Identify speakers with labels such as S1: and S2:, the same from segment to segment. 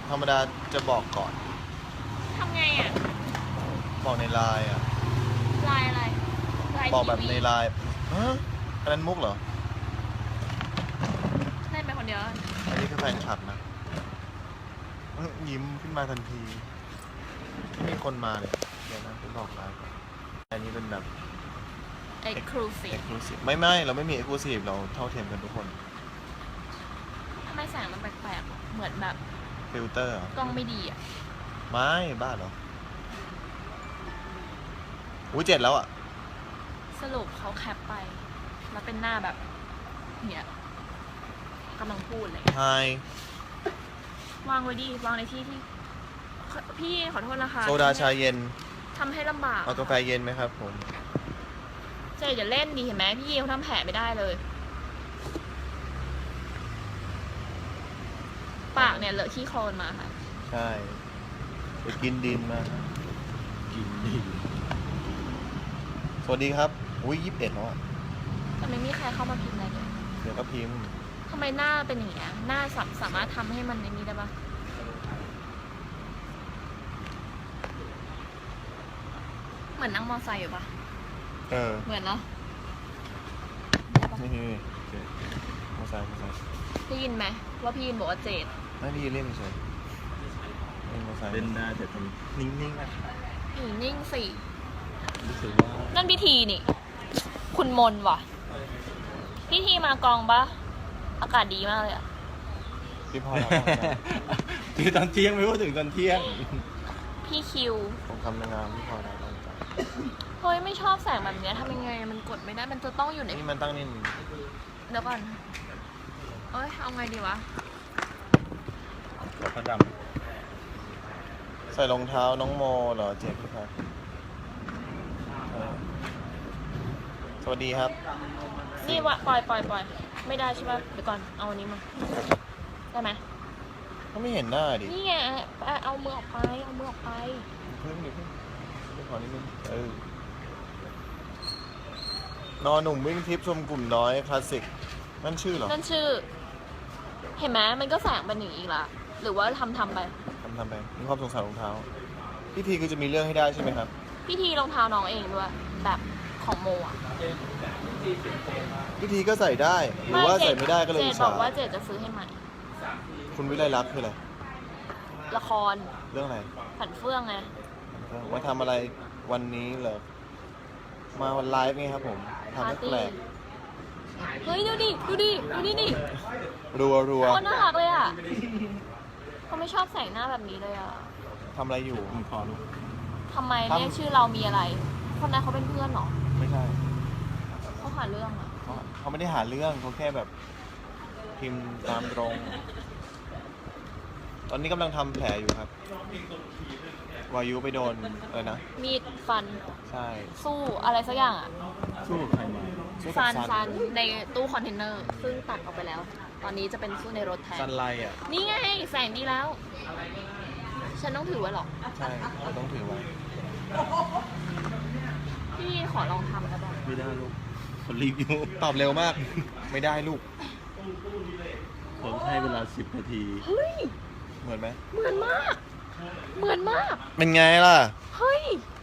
S1: ธรรมดาจะบอกก่อน
S2: ทำไงอ่ะ
S1: บอกในไลน์อ่ะ
S2: ลายอะไรลาย
S1: บอกแบบ
S2: ทีวี
S1: ในไลน์ฮะอันนั้นมุกเหรอ
S2: เล่นไปคนเดียว
S1: อันนี้คือแฟนคลับนะยิ้มขึ้นมาทันทีที่มีคนมาเลยเดี๋ยวนะไปบอกไลน์ก่อนอันนี้เป็นแบบ
S2: exclusive
S1: exclusive ไม่เราไม่มี exclusive เราเท่าเทียมกันทุกคน
S2: ทำไมแสงมันแปลกๆอะเหมือนแบบ
S1: ฟิลเตอร์
S2: กล้องไม่ดีอ่ะ
S1: ไม่บ้าเหรออุ้ย7แล้วอ่ะ
S2: สรุปเขาแคปไป แล้วเป็นหน้าแบบเนี่ยกำลังพูดเลย
S1: ไฮ
S2: วางไว้ดีวางในที่ที่พี่ขอโทษนะคะ
S1: โซดาชาเย็น
S2: ทำให้ลำบาก
S1: เอากาแฟเย็นไหมครับผม
S2: เจ๊อย่าเล่นดีเห็นไหมพี่เขาทำแผลไม่ได้เลย ปากเนี่ยเลอะขี้โคลนมาค่ะ
S1: ใช่ไปกินดินมาครับ
S3: กินดิน
S1: สวัสดีครับอุ้ย21แล้วอ่ะ
S2: แต่ไม่มีใครเข้ามาพิมพ์อะไรเลย
S1: เดี๋ยวก็พิมพ์
S2: ทำไมหน้าเป็นอย่างเงี้ยหน้าสามารถทำให้มันในนี้ได้ปะเหมือนนั่งมอไซค์อยู่ปะ เหมือนเนาะ
S1: นี่มาใส่
S2: ได้ยินไหมว่าพี่ยินบอกว่าเจด
S1: ไม่ได้เล่นเฉยเล่นมาใส่
S3: เล่นได้แต่ทำนิ่งๆนะ
S2: อีนิ่งสิ
S3: รู้สึกว่า
S2: นั่นพิธีนี่ คุณมนว่ะ พิธีมากองปะอากาศดีมากเลยอะ
S1: พี่พอแล้ว
S3: คือตอนเที่ยงไม่พูดถึงตอนเที่ยง
S2: พี่คิว
S1: ผมทำงานพี่พอแล้วตั้งใจ
S2: เฮ้ยไม่ชอบแสงแบบเนี้ยทำยังไงมันกดไม่ได้มันจะต้องอยู่ใน
S1: นี่มันตั้งนี่
S2: เดี๋ยวก่อนเอ้ยเอาไงดีวะ
S3: กับพระด
S1: ใส่รองเท้าน้องโมเหรอเจ๊พี่ครับสวัสดีครับ
S2: นี่วะปล่อยไม่ได้ใช่ปะเดี๋ยวก่อนเอาอันนี้มาได้ไหม
S1: ก็ไม่เห็นหน้าดิ
S2: นี่ไงเอามือออกไปเอามือออกไป
S1: เพิ่งไปขอนิดนึงนอนหนุ่มวิ่งทิปชมกลุ่มน้อยคลาสสิกนั่นชื่อเหรอ
S2: นั่นชื่อ เห็นไหมมันก็แสงเป็นอย่างนี้อีกละหรือว่าทำไป
S1: ทำไปมีความสงสารรองเท้าพี่ทีคือจะมีเรื่องให้ได้ใช่ไหมครับ
S2: พี่ทีรองเท้าน้องเองด้วยแบบของโมอ่ะ
S1: พี่ทีก็ใส่ได้หรือว่าใส่ไม่ได้ก็เลย
S2: เจ
S1: อิ
S2: ด
S1: จ
S2: บ
S1: ฉา
S2: อกว่าเจดจะซื้อให้ใหม่
S1: คุณวิไลลักษณ์คืออะไร
S2: ละคร
S1: เรื่องอะไร
S2: ผันเฟื่องไง
S1: มาทำอะไรวันนี้เหรอมาวันไลฟ์ไงครับผมทำให้แปลก
S2: เฮ้ยดูดิดิ
S1: รัว
S2: โคตรน่ารักเลยอ่ะเขาไม่ชอบแสงหน้าแบบนี้เลยอ่ะ
S1: ทำอะไรอยู่
S3: ำผมขอรู้
S2: ทำไมเรียกชื่อเรามีอะไร คนนั้นเขาเป็นเพื่อนเหรอ
S1: ไม่ใช่
S2: เขาหาเรื่องเหรอ
S1: เขาไม่ได้หาเรื่องเขาแค่แบบพิมพ์ตามตรง ตอนนี้กำลังทำแผลอยู่ครับ วายุไปโดนอะไรนะ
S2: มีดฟัน
S1: ใช่
S2: สู้อะไรสักอย่างอ่ะ
S3: สู้กับใครมา
S1: สู้กับ
S2: ซันในตู้คอนเทนเนอร์ซึ่งตัดออกไปแล้ว ตอนนี้จะเป็นสู้ในรถแทน
S1: ซันไลอ่ะ
S2: นี่ไงแสงดีแล้ว ฉันต้องถือไว้หรอ
S1: ใช่เราต้องถือไว้
S2: พี่ขอลองทำแล้วบ้าง
S3: ไม่ได้ลูกคนรีบอยู่
S1: ตอบเร็วมาก ไม่ได้ลูก
S3: ผมให้เวลา10 นาที
S2: เฮ้ย
S1: เหมือนไหม
S2: เหมือนมาก เหมือนมาก
S1: เป็นไงล่ะ
S2: เฮ้ย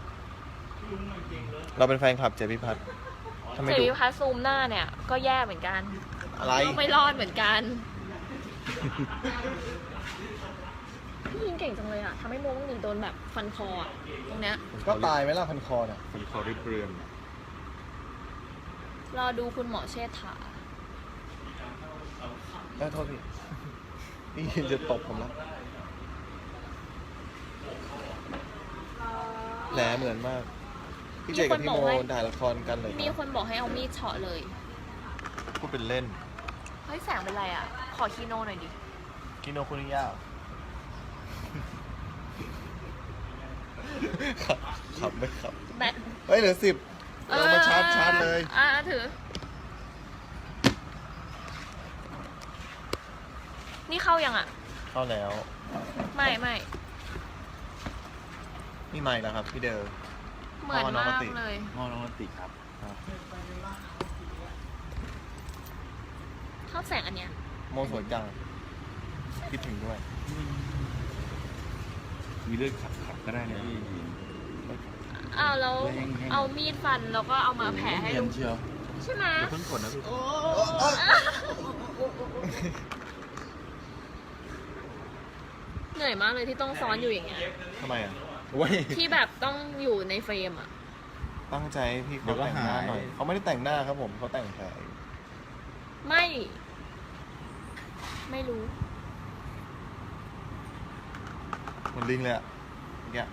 S1: เราเป็นแฟนคลับเจพิพัฒน์ทำไม
S2: เจ
S1: ดุ
S2: วิพัสซูมหน้าเนี่ย ก็แย่เหมือนกัน
S1: อะไร
S2: ก็ไม่รอดเหมือนกันพี่ยิงเก่งจังเลยอ่ะทำให้โมงหนีโดนแบบฟันคออ่ะ ตรงเนี้ย
S1: ก็ตายไหมล่ะพันคอน่ะ
S3: ผมขอริบเรือน
S2: รอดูคุณหมอเชษฐา
S1: โทษพี่ พี่จะตบผมแล้วแหลเหมือนมาก พี่เจกับพี่โมถ่ายละครกันเลย
S2: มีคนบอกให้เอามีดเฉาะเลย
S1: พูดเป็นเล่น
S2: เฮ้ยแสงเป็นไรอ่ะ ขอคีโนหน่อยดิ
S1: กิโนคุนิยะขับไม่ขับ
S2: แบต
S1: เฮ้ยเหลือ10เรามาชาร์จเลย
S2: ถือ นี่เข้ายังอ่ะ
S1: เข้าแล้ว
S2: ไม่
S1: นี่ใหม่แล้วครับพี่เดอร์
S2: เหมือนมากเลย
S3: มอน้องติครับ
S2: ชอบแสงอันเนี้ย
S1: โมสวยจัง คิดถึงด้วย
S3: มีเลือดขับก็ได้นะพี่
S2: อ้าวแล้วเอามีดฟันแล้วก็เอามาแผลให้
S3: เนีย
S2: ลุ
S3: น
S2: ง
S3: เชียว
S2: ใช่ไหม
S3: อย่าเพิ่งกดนะพี่
S2: เหนื่อยมากเลยที่ต้องซ้อนอยู่อย่างเงี้ย
S1: ทำไมอ่ะ
S3: โอ้ย
S2: ที่แบบต้องอยู่ในเฟรมอ่ะ
S1: ตั้งใจให้พี่
S3: เดี๋
S1: เขา
S3: ยวก็
S1: แต่งหน้า
S3: หาย
S1: หน่อยเขาไม่ได้แต่งหน้าครับผมเขาแต่งแผลอยู่
S2: ไม่รู้
S1: เหมือนลิงเลยอ่ะเมื่อกี้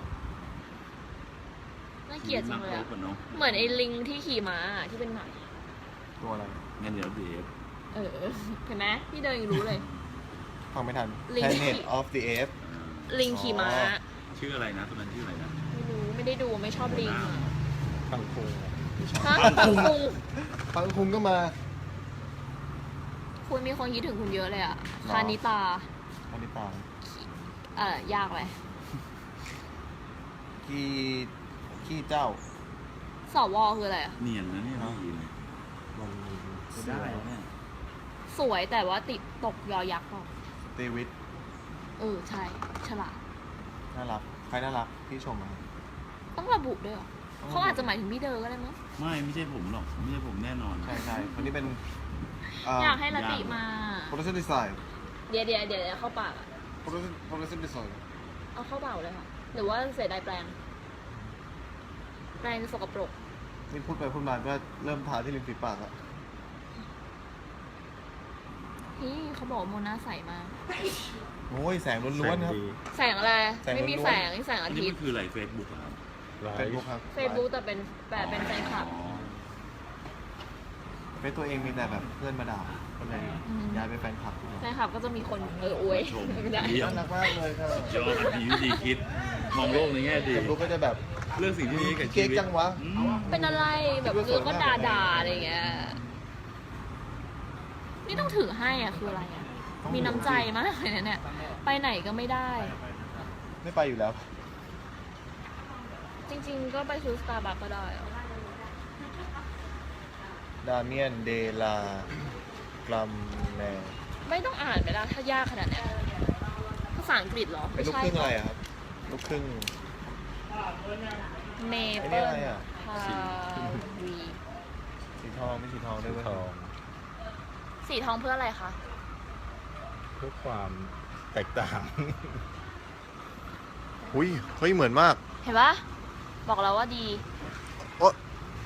S2: น่าเกลียดจังเลยอะ
S3: กว่าน้อง
S2: เหมือนไอ้ลิงที่ขี่ม้าอะที่เป็นหมา
S1: ตัวอะไร
S3: งั้นเดี๋ยวเดฟ
S2: เเห็นไหมพี่เดินยังรู้เลย
S1: ฟังไม่ทัน
S2: ลิง
S1: Planet of the Apes
S2: ลิงขี่ม้า
S1: อ๋อ
S3: ชื่ออะไรนะตัวนั้นชื่ออะไรนะ
S2: ไม่รู้ไม่ได้ดูไม่ชอบลิงอะ
S3: ปังคุง
S2: ฮะปังคุง
S1: ฟังคุงก็มา
S2: คุณมีคนคิดถึงคุณเยอะเลยอ่ะ
S1: หรอ
S2: คานิตา
S1: อันนี้ตาม
S2: ยากเลย
S1: ขี้เจ้า
S2: สวคืออะไรอ่ะ
S3: เนียนนะเนี่ยพี่
S1: มัน
S3: ได้เนี่ย
S2: สวยแต่ว่าติดตกยอยักษ์เปล่า
S1: สตีวิท
S2: ใช่ฉลาด
S1: น่ารัก ใครน่ารักพี่ชมมา
S2: ต้องระบุด้วยเหรอเขาอาจจะหมายถึงพี่เดอก็ได้มั้ง
S3: ไม่ใช่ผมหรอกไม่ใช่ผมแน่นอน
S1: ใช่ใช่คนนี้เป็น
S2: อยากให้ละติมา
S1: production design
S2: เดี๋ยวเข้าปากอ่ะ
S1: production design
S2: เอาเข้าเบาเลยค่ะ หรือว่าเสียดายแปลงสกปรก
S1: นี่พูดไปพูดมาก็เริ่มทาที่ริมฝีปากแล้ว
S2: นี่เขาบอกว่าโมนาใสมาก
S1: โอ้ยแสงล้วนๆครับ
S2: แสงอะไร
S1: แสง
S2: ไม่มี
S1: ล้วนๆ
S2: แสงนี่แสง
S3: อั
S2: อาน
S3: นี้
S2: ทิต
S3: มัน
S2: ย์
S3: คืออะไรเฟซบุ๊กครับ
S1: เฟซบุ๊กครับ
S2: เฟซบุ๊กแต่เป็นแฟนคลับ
S3: อ๋อ
S1: เฟซตัวเองมีแต่แบบเพื่อนมาด่าก็เลย
S2: อืม
S1: ย้ายไปแฟนคลับ
S2: แฟนคลับก็จะมีคนอวย
S3: ชม
S2: ไม่ได้
S3: เยี่ยม
S1: น่ารักมากเลยครับ
S3: ยอดดีวิธีคิด มองโลกในแง่ดี
S1: เฟซบุ๊กก็จะแบบ
S3: เรื่องสิ่งที่ดีกับชี
S1: เก๊ก
S3: วิต
S1: จังวะ
S3: อืม
S2: เป็นอะไรแบบเออก็ด่าอะไรอย่างเงี้ย นี่ต้องถือให้อ่ะคืออะไรอ่ะ มีน้ำใจมากเลยนะเนี่ย ไปไหนก็ไม่ได้
S1: ไม่ไปอยู่แล้ว
S2: จริงๆ ก็ไปซื้อสตาร์บัคก็ได้อะ
S1: ดาเมียนเดลากรัมแมน
S2: ไม่ต้องอ่านไปแล้วถ้ายากขนาดเนี้ยภาษาอังกฤษเหรอ
S1: เป็นลูกครึ่งอะไรอะครับ ลูกครึ่ง
S2: เม
S1: ไอ้
S2: เปิ
S1: นี่
S2: ล
S1: อะไรอะ
S2: พาวี
S1: สีทองไม่สีทองด้วยเวย
S2: สีทองเพื่ออะไรคะ
S3: เพื่อความแตกต่าง
S1: หุ้ยเฮ้ยเหมือนมาก
S2: เห็นปะบอกแล้วว่าดี
S1: โอ๊ะ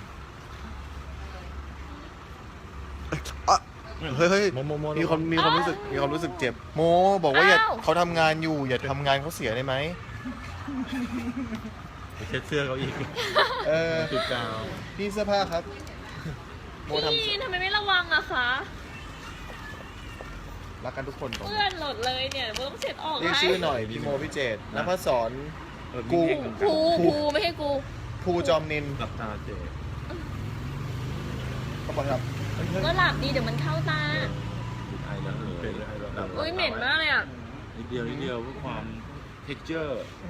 S1: เฮ้ยเฮ้ย
S3: โม
S1: มีความรู้สึกมีความรู้สึกเจ็บ โมบอกว่าอย่า
S2: อ้าว
S1: เขาทำงานอยู่อย่าทำงานเขาเสียได้ไหม
S3: ไปเช็ดเสื้อเขาอีก
S1: เออ
S3: จุดกาว
S1: พี่เสื้อผ้าครับ โมท
S2: พี่ทำไมไม่ระวังอะคะ
S1: ำรักกันทุกคนตรง
S2: เพื่อนหลดเลยเนี่ยเดี๋ยวต้องเช็ดออก
S1: เรียก
S2: ให้
S1: ชื่อหน่อยพี่โมพี่เจตนภัสสร กู
S2: ภูไม่ให้กู
S1: ภูจอมนิน
S3: กับตาเจ
S1: เขาบอกครับเฮ้ย
S2: ก็หลับดีเดี๋ยวมันเข้าตา
S3: ไอแล้วเป็นไอแล้ว
S2: อุ้ยเหม็นมากเลยอะ
S3: นิดเดียวเพื่อความ texture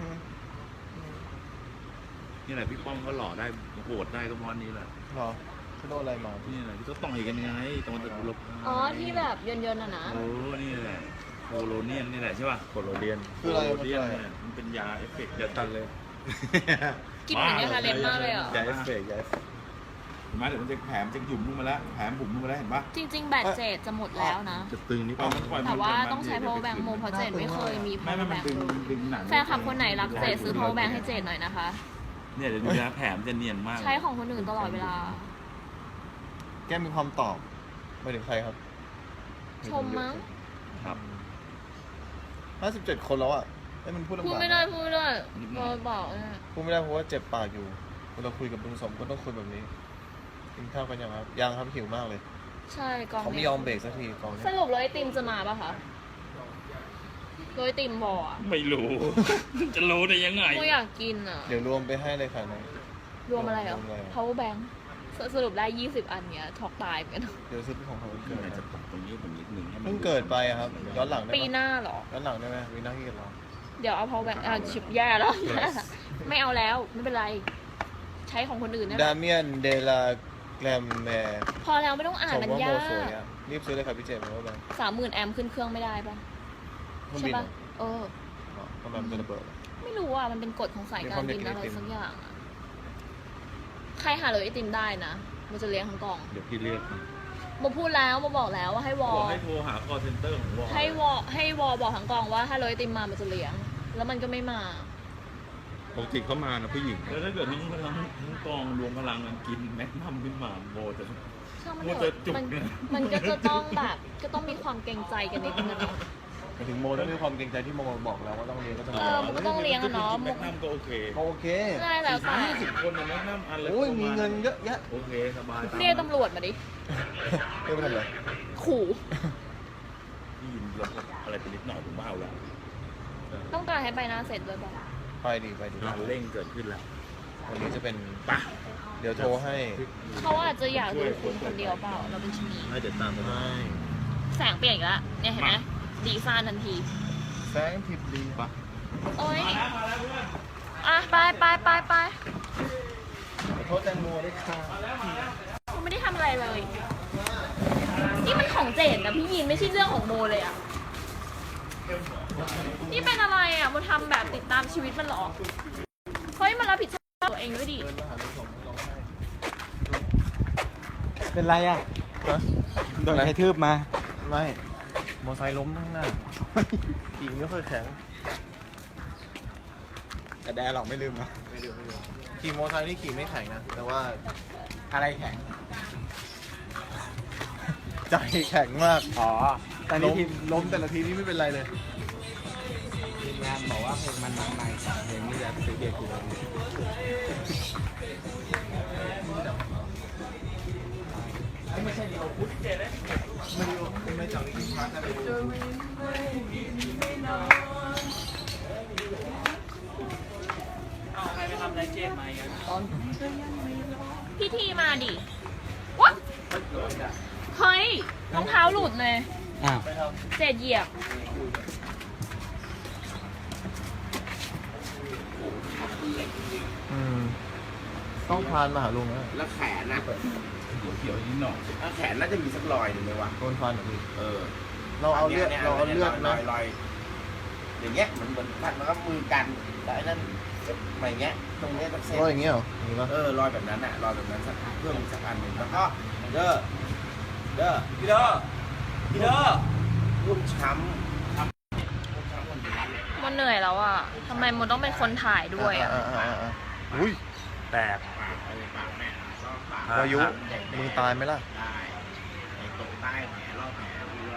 S3: นี่แหละพี่ป้อมก็หล่อได้โหดได้ก็เพราะอันนี้แหละ
S1: เหรอเขาโดนอะไรมาพี่
S3: นี่แหละที่เขาต่อยกันไงตรงตะกุลบ
S2: อ๋อที่แบบเยินๆอะนะ
S3: โอ้นี่แหละโคโลเนียนนี่แหละใช่ป่ะโคโลเนียน
S1: คืออะไร
S3: โค
S1: มัน
S3: โล
S1: คื
S3: เนี
S1: อย
S3: น
S1: อะไร
S3: เนี่ยมันเป็นยาเอฟเฟกต์อย่าตันเลย
S2: กลินเหมือนยาทาเล็บมากเลยอะ
S1: ยาเอฟเฟกต์ยาเอฟเฟกต์
S3: เห็นไหมเดี๋ยวมันจะแผลมจะหยุ่มลงมาแล้วแผลมบุ๋มลงมาแล้วเห็นปะ
S2: จริง ๆ แบตเจดจะหมดแล้วนะ
S3: จะตึงนิดนึง
S2: แต่ว่าต้องใช้ power bank โมเพราะเจดไม่เคยมี
S3: ไม่
S2: power
S3: มัน
S2: bank
S3: ดึงดึงหนัง
S2: แฟนคลับคนไหนรักเจดซื้อ power bank ให้เจดหน่อยนะคะ
S3: เนี่ยเดี๋ยวดูนะแผลมจะเนียนมาก
S2: ใช้ของคนอื่นตลอดเวลา
S1: แกมีความตอบไปถึงใครครับ
S2: ชมมั้ง
S3: ครับ
S1: 57 คนแล้วอ่ะไอ้ยมันพูดลำบาก
S2: พูดไม่ได้พอบอกเนี่ย
S1: พูดไม่ได้เพราะว่าเจ็บปากอยู่เวลาคุยกับลุงสมก็ต้องคุยแบบนี้กินข้าวกันยังครับยังครับหิวมากเลย
S2: ใช่กอง
S1: เขาไม่
S2: นี้
S1: ยอมเบรกสักทีกองเนี้
S2: ส
S1: ย
S2: รุปโรยไอติมจะมาป่ะคะโรยไอติมบออ่ะ
S3: ไม่รู้ จะรู้ได้ยังไง
S2: โมอยากกินอ่ะ
S1: เดี๋ยวรวมไปให้เลยค่ะน้อง
S2: รวมอะไรเหรอ
S1: รวมอะไร
S2: power bank สรุปได้ 20 อันเนี้ยช็อกตายเหมือนกัน
S1: เดี๋ยวซื้อเป็นของเขาวันเกิด
S3: จะ
S1: นะ
S3: ตกตรงนี้ผมนิดนึงให้มัน
S1: เพิ่งเกิดไปอะครับย้อนหลังได้
S2: ปี
S1: ไห
S2: ห
S1: ม
S2: น้าเหรอ
S1: ย้อนหลังได้ไหมวีน่าที่กันเรา
S2: เดี๋ยวเอา power bank ชิปแย่แล้ว ไม่เอาแล้ว ไม่เป็นไร ใช้ของคนอื่นได้ไหม
S1: ดาเมียนเดลาแกรมแมร์
S2: พอแล้วไม่ต้องอ่าน
S1: ชม
S2: มัน
S1: ว่าโม
S2: ยาก
S1: สวยอ่ะรีบซื้อเลยครับพี่เจมส์เพราะว่า
S2: 30,000 แอมป์ขึ้นเครื่องไม่ได้ป่ะ
S1: เครื่อง
S2: ใช่
S1: บิน
S2: ป่ะ
S1: เหรอ
S2: เออ
S1: ทำไมำมันจะระเบิด
S2: ไม่รู้อ่ะมันเป็นกฎของสายการบินอะไรสักอย่างอะใครหาเลยไอติมได้นะมันจะเลี้ยงทั้งกล่อง
S3: เดี๋ยวพี่เรียก
S2: โมพูดแล้วโมบอกแล้วว่าให้วอ
S3: บอกให้โทรหา call center ของวอ
S2: ให้วอบอกทั้งกล่องว่าถ้าเลยไอติมมามันจะเลี้ยง แล้วมันก็ไม่มา
S3: ปกติเขามานะผู้หญิงแล้วถ้าเกิดทั้งกองรวมพลังกันกินแม็กนัมขึ้นมาโบจะ
S2: ช่างมัน
S3: โม
S2: เถ
S3: จะ
S2: อะ
S3: จุก
S2: มัน
S3: เนี่ย
S2: มันก็จะต้องแบบก็ต้องมีความเกรงใจกันนิดนึงอะเนาะ
S1: ไปถึงโมต้องมีความเกรงใจที่โมบอกแล้วว่าต้องเรียนก็ต้อง
S2: เออมันก็ต้องเลี้ยงอะเนาะ
S3: แม็กนัมก็โอเค
S1: โอเค
S2: ใช่แล้วแต่
S3: 40 คนนะแม็กนัมอันละ
S1: โอ้ยมีเงินเยอะแยะ
S3: โอเคสบาย
S2: เรียกตำรวจมาดิ
S1: เรียกไปทำอะไร
S2: ขู่
S3: พี่ยินลดอะไรไปนิดหน่อยผมว่าเอาละ
S2: ต้องการให้ใบหน้าเสร็จด้วยป่ะ
S1: ไปดีไปดี
S3: การเร่งเกิดขึ้นแล้ว
S1: วันนี้จะเป็น
S3: ปะ
S1: เดี๋ยวโทรให้
S2: เขาอาจจะอยากดูคุณคนเดียวเปล่าเราเป็นชนี
S3: ให้เดี๋ยวตามไป
S1: ไม่
S2: แสงเปลี่ยนอีกแล้วเนี่ยเห็นไหมดีซ่านทันที
S1: แสงทิพย์ดี
S3: ปะ
S2: โอ๊ยอ่ะไป
S1: ขอโทษแตงโมด้วยค่ะ
S2: กูไม่ได้ทำอะไรเลย นี่มันของเจนนะพี่ยินไม่ใช่เรื่องของโมเลยอ่ะ นี่เป็นอะไรอ่ะโมทำแบบติดตามชีวิตมันหรอ เฮ้ยมันรับผิดชอบตัวเองด้วยดิ
S1: เดินมาหาลูกสองร้องไห้
S4: เป็นไรอ่ะ
S1: ฮะ
S4: โดนใครทืบมา
S1: ไม่มอไซค์ล้มข้างหน้าขี่ไม่ค่อยแข็ง
S4: แต่แดหรอกไม่ลืมนะ
S1: ขี่มอไซค์นี่ขี่ไม่แข็งนะ แต่ว่า
S4: อะไรแข็ง
S1: ใจแข็งมาก
S4: อ๋อ ตอนนี้ทีม
S1: ล้มแต่ละทีนี่ไม่เป็นไรเลย
S4: ทีมงานบอกว่าเพลงมันมาใหม่เพลงนี้จะซื้อเด็กกูเลย
S1: ไม่ใช่ดีเราพุทธเจเลยไม่จังที่พักแต่ไป
S2: พี่ทีมาดิวะเฮ้ยรองเท้าหลุดเลย
S4: อ้าว
S2: เศษเหยียบ
S1: ต้องพานมาหาลุงนะ
S5: แล้วแขนน่ะ
S3: เขียวนิดหน่อย
S5: แล้วแขนน่าจะมีสักรอยหนึ่งไหมวะ
S1: โดนฟันเหรอพี่
S5: เออ
S1: เราเอาเลือดเราเอาเลือด
S5: ร
S1: นะ
S5: อยอย่างเงี้ยเหมือนพันแล้วก็มือกันแต่ไอ้นั่นอะไรเงี้ยตรงเนี้ยต้องเซ็ต
S1: รอยอย่างเงี้ยเหรออย่างงี้ปะ
S5: รอยแบบนั้นน่ะรอยแบบนั้นสักเพิ่มอีกสักอันหนึ่งแล้วก็เด้อพี่เด้อรุ่มช้ำ
S2: มันเหนื่อยแล้วอ่ะทำไมมันต้องเป็นคนถ่ายด้วยอ่ะ
S1: อุ้ย
S3: แตก
S5: ปากอะไรปากแม่ก็ปาก
S1: วายุมึงตายไหมล่ะ
S5: ได้ไอ้ตรงใต้แผลรอบแผลเพื่อน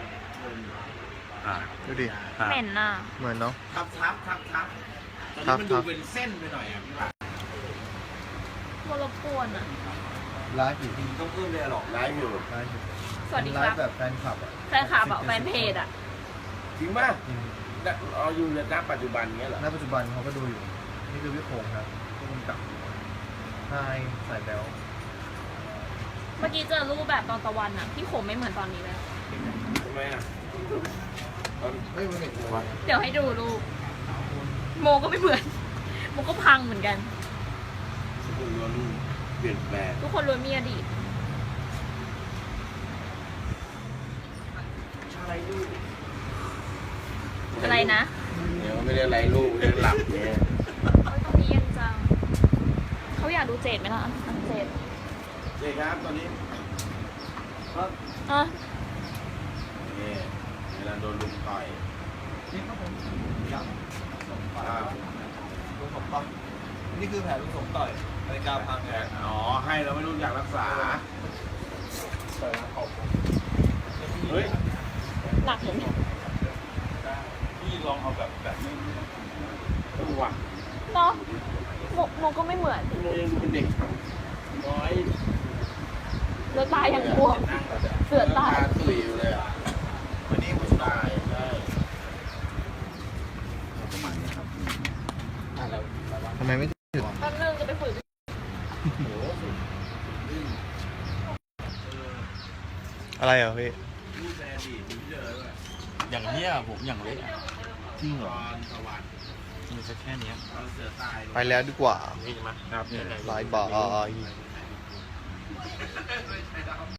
S1: ดูดิ
S2: เหม็นน่ะ
S1: เหมือนเนาะ
S5: ทับตอนนี้มันดูเป็นเส้นไปหน่อยอ่ะพี่ว่า
S2: มันรบกวนอ่ะ
S1: ไลฟ์อยู่
S5: ต้องเพิ่มเลยหรอกไลฟ์อยู่
S1: ไลฟ์อยู่
S2: สวัสดี
S1: ไล
S2: ครับ
S1: ฟ์แบบแฟนคลับอ่ะ
S2: แฟนคลับอะแฟนเพจอ่ะ
S5: จริงป่ะเอาอยู่ในณปัจจุบันเงี้ยเหรอ
S1: ณปัจจุบันเขาก็ดูอยู่ นี่คือพี่โคงครับผู้กำกับนายสายแบล
S2: เมื่อกี้เจอรูปแบบตอนตะวันอ่ะ พี่ขมไม่เหมือนตอนนี้เลย
S5: ทำไมอ่ะ
S1: เฮ้ยมันเห็นตัว
S2: เดี๋ยวให้ดูรูป โมก็ไม่เหมือน โมก็พังเหมือนกัน
S5: คุณล้วนเปลี่ยนแปลง
S2: ทุกคนล้วนมีอดีต อะไรนะ
S5: เดี๋ยวไม่ได้ไรลูกเรียกหลับเนี่ย
S2: เฮ้ยตรงนี้เย็นจัง เขาอยากดูเจดไหมล่ะเจด
S5: เจ๊ครับตอนนี้ก็
S2: อ่ะ
S5: นี่เวลาโดนลุมต่อย
S1: นี่ครับผมอยากสมต่อย
S5: อ่า
S1: ลุงสมต่อยนี่คือแผลลุงสมต่อยนาฬิกาพังไง
S5: อ๋อให้เราไม่รู้อยากรักษา เฮ้ย
S2: หนักเหมือนกัน
S3: พี่ลองเอาแบบนี้
S5: ดูว่ะ
S2: เนาะโมก็ไม่เหมือน
S5: โมยังดูเป็นเด็กน้อย
S2: เสือตายอย่างกลัว เสือตาย
S5: ตาตุยอยู่เลยอ่ะ
S1: วันนี้ผม
S5: ตายใช่
S1: ทำไมไม่ถึง
S2: แป๊บนึงจะไปฝึก
S1: อะไรเหรอพี่
S5: รูปแอดีตมีเยอะด้วย
S3: อย่างเนี้ยผมอย่างเล็ก
S1: จริงเหร
S5: ต
S1: อ
S5: อนสวรรค์
S3: มีแค่เนี้ย
S5: ตอนเสือตาย
S1: ไปแล้วดีกว่า
S3: นี่ใช่ไหมครับเนี่ย
S1: บายบาย